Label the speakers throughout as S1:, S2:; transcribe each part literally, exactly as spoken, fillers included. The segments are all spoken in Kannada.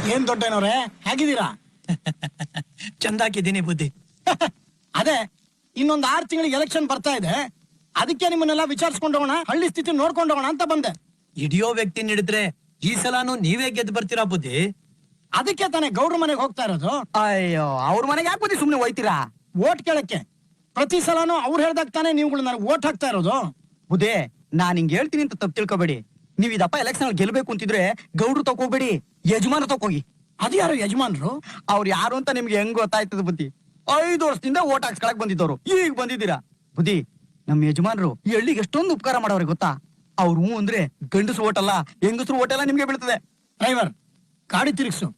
S1: ಏನ್ ದೊಡ್ಡನವ್ರೆ, ಹೇಗಿದ್ದೀರಾ?
S2: ಚಂದಾಕಿದ್ದೀನಿ ಬುದ್ಧಿ.
S1: ಅದೇ ಇನ್ನೊಂದ್ ಆರು ತಿಂಗಳಿಗೆ ಎಲೆಕ್ಷನ್ ಬರ್ತಾ ಇದೆ, ಅದಕ್ಕೆ ನಿಮ್ಮನ್ನೆಲ್ಲ ವಿಚಾರಿಸ್ಕೊಂಡೋಣ, ಹಳ್ಳಿ ಸ್ಥಿತಿ ನೋಡ್ಕೊಂಡೋಣ ಅಂತ ಬಂದೆ.
S2: ಹಿಡಿಯೋ ವ್ಯಕ್ತಿ ಹಿಡಿದ್ರೆ ಈ ಸಲಾನು ನೀವೇ ಗೆದ್ದು ಬರ್ತೀರಾ ಬುದ್ಧಿ.
S1: ಅದಕ್ಕೆ ತಾನೇ ಗೌಡ್ರ ಮನೆಗೆ ಹೋಗ್ತಾ ಇರೋದು.
S3: ಅಯ್ಯೋ, ಅವ್ರ ಮನೆಗೆ ಯಾಕೆ ಬುದ್ಧಿ ಸುಮ್ನೆ ಹೋಯ್ತೀರಾ?
S1: ಓಟ್ ಕೇಳಕ್ಕೆ. ಪ್ರತಿ ಸಲಾನು ಅವ್ರು ಹೇಳ್ದಾಗ ತಾನೇ ನೀವುಗಳು ನನಗೆ ಓಟ್ ಹಾಕ್ತಾ ಇರೋದು.
S3: ಬುದ್ಧಿ, ನಾನ್ ಹಿಂಗ್ ಹೇಳ್ತೀನಿ ಅಂತ ತಪ್ಪು ತಿಳ್ಕೊಬೇಡಿ. ನೀವ್ ಇದಪ್ಪ ಎಲೆಕ್ಷನ್ ಗೆಲ್ಬೇಕು ಅಂತಿದ್ರೆ ಗೌಡ್ರು ತಕೋಬೇಡಿ, ಯಜಮಾನ ತಕೋಗಿ.
S1: ಅದು ಯಾರು ಯಜಮಾನ್ರು?
S3: ಅವ್ರು ಯಾರು ಅಂತ ನಿಮ್ಗೆ ಹೆಂಗ್ ಗೊತ್ತಾಯ್ತದ ಬುದ್ಧಿ? ಐದು ವರ್ಷದಿಂದ ಓಟ್ ಹಾಕ್ಸ್ಕೊಳಕ್ ಬಂದಿದ್ದವ್ರು, ಈಗ ಬಂದಿದ್ದೀರಾ. ಬುದ್ಧಿ, ನಮ್ ಯಜಮಾನ್ರು ಈ ಹಳ್ಳಿಗೆ ಎಷ್ಟೊಂದು ಉಪಕಾರ ಮಾಡೋರು ಗೊತ್ತಾ? ಅವ್ರು ಹೂ ಅಂದ್ರೆ ಗಂಡಸರು ಓಟ್ ಅಲ್ಲ, ಹೆಂಗಸರು ಓಟ್ ಎಲ್ಲ ನಿಮ್ಗೆ ಬೀಳ್ತದೆ.
S1: ಡ್ರೈವರ್, ಗಾಡಿ ತಿರುಗಿಸು.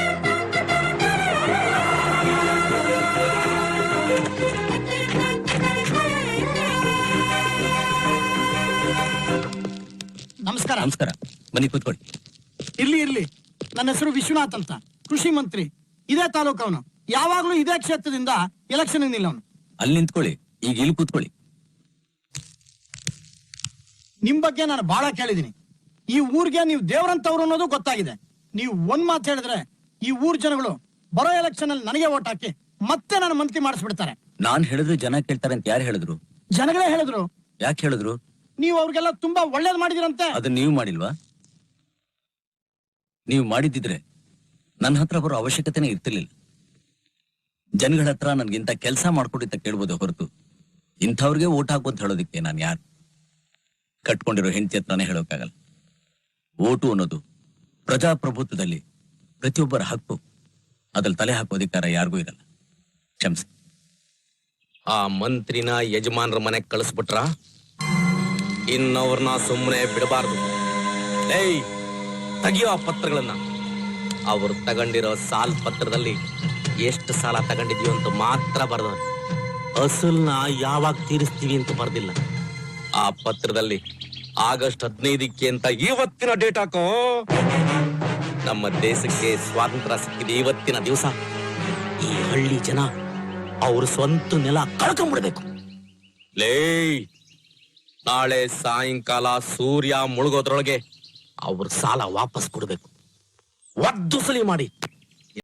S1: ನಮಸ್ಕಾರ.
S4: ನಮಸ್ಕಾರ, ಬನ್ನಿ ಕೂತ್ಕೊಳ್ಳಿ.
S1: ಇರ್ಲಿ ಇರ್ಲಿ, ನನ್ನ ಹೆಸರು ವಿಶ್ವನಾಥ್ ಅಂತ, ಕೃಷಿ ಮಂತ್ರಿ. ಇದೇ ತಾಲೂಕವನು, ಯಾವಾಗ್ಲೂ ಇದೇ ಕ್ಷೇತ್ರದಿಂದ ಎಲೆಕ್ಷನ್ ನಿಲ್ಲವನು.
S4: ಅಲ್ಲಿ ನಿಂತ್ಕೊಳ್ಳಿ, ಈಗ ಇಲ್ಲಿ ಕೂತ್ಕೊಳ್ಳಿ.
S1: ನಿಮ್ ಬಗ್ಗೆ ನಾನು ಬಹಳ ಕೇಳಿದೀನಿ. ಈ ಊರ್ಗೆ ನೀವು ದೇವರಂತವ್ರು ಅನ್ನೋದು ಗೊತ್ತಾಗಿದೆ. ನೀವು ಒಂದ್ ಮಾತು ಹೇಳಿದ್ರೆ ಈ ಊರ್ ಜನಗಳು ಬರೋ ಎಲೆಕ್ಷನ್ ಅಲ್ಲಿ ನನಗೆ ಓಟ್ ಹಾಕಿ ಮತ್ತೆ ನಾನು ಮಂತ್ರಿ ಮಾಡಿಸ್ಬಿಡ್ತಾರೆ.
S4: ನಾನ್ ಹೇಳಿದ್ರೆ ಜನ ಕೇಳ್ತಾರೆ ಅಂತ ಯಾರು ಹೇಳಿದ್ರು?
S1: ಜನಗಳೇ ಹೇಳಿದ್ರು.
S4: ಯಾಕೆ ಹೇಳಿದ್ರು?
S1: ನೀವು ಅವ್ರಿಗೆಲ್ಲ ತುಂಬಾ ಒಳ್ಳೇದ್ ಮಾಡಿದಿರಂತೆ.
S4: ಅದನ್ನ ನೀವು ಮಾಡಿಲ್ವಾ? ನೀವು ಮಾಡಿದ್ದಿದ್ರೆ ನನ್ನ ಹತ್ರ ಬರೋ ಅವಶ್ಯಕತೆನೇ ಇರ್ತಿರ್ಲಿಲ್ಲ. ಜನಗಳ ಹತ್ರ ನನ್ಗಿಂತ ಕೆಲಸ ಮಾಡ್ಕೊಡಿತ್ತ ಕೇಳ್ಬೋದು ಹೊರತು ಇಂಥವ್ರಿಗೆ ಓಟ್ ಹಾಕು ಅಂತ ಹೇಳೋದಿಕ್ಕೆ ನಾನು ಯಾರು? ಕಟ್ಕೊಂಡಿರೋ ಹೆಂಡತಿ ಹತ್ರನೇ ಹೇಳೋಕ್ಕಾಗಲ್ಲ. ಓಟು ಅನ್ನೋದು ಪ್ರಜಾಪ್ರಭುತ್ವದಲ್ಲಿ ಪ್ರತಿಯೊಬ್ಬರ ಹಕ್ಕು. ಅದ್ರಲ್ಲಿ ತಲೆ ಹಾಕೋ ಅಧಿಕಾರ ಯಾರಿಗೂ ಇರಲ್ಲ. ಕ್ಷಮಿಸಿ.
S5: ಆ ಮಂತ್ರಿನ ಯಜಮಾನ್ರ ಮನೆಗ್ ಕಳಿಸ್ಬಿಟ್ರ ಇನ್ನವ್ರನ್ನ ಸುಮ್ಮನೆ ಬಿಡಬಾರ್ದು. ಏಯ್, ತೆಗಿಯೋ ಆ ಪತ್ರಗಳನ್ನ. ಅವ್ರು ತಗೊಂಡಿರೋ ಸಾಲ ಪತ್ರದಲ್ಲಿ ಎಷ್ಟು ಸಾಲ ತಗೊಂಡಿದೀವಿ ಅಂತ ಮಾತ್ರ ಬರ್ದವ್ರು. ಅಸಲ್ನ ಯಾವಾಗ ತೀರಿಸ್ತೀವಿ ಅಂತ ಬರ್ದಿಲ್ಲ. ಆ ಪತ್ರದಲ್ಲಿ ಆಗಸ್ಟ್ ಹದಿನೈದಕ್ಕೆ ಅಂತ ಇವತ್ತಿನ ಡೇಟ್ ಹಾಕೋ. ನಮ್ಮ ದೇಶಕ್ಕೆ ಸ್ವಾತಂತ್ರ್ಯ ಸಿಕ್ಕಿದೆ ಇವತ್ತಿನ ದಿವಸ. ಈ ಹಳ್ಳಿ ಜನ ಅವ್ರ ಸ್ವಂತ ನೆಲ ಕಳ್ಕೊಂಡ್ಬಿಡ್ಬೇಕು. ಲೇ, ನಾಳೆ ಸಾಯಂಕಾಲ ಸೂರ್ಯ ಮುಳುಗೋದ್ರೊಳಗೆ ಅವ್ರ ಸಾಲ ವಾಪಸ್ ಕೊಡ್ಬೇಕು. ಒದ್ದು ಸಲಿ ಮಾಡಿ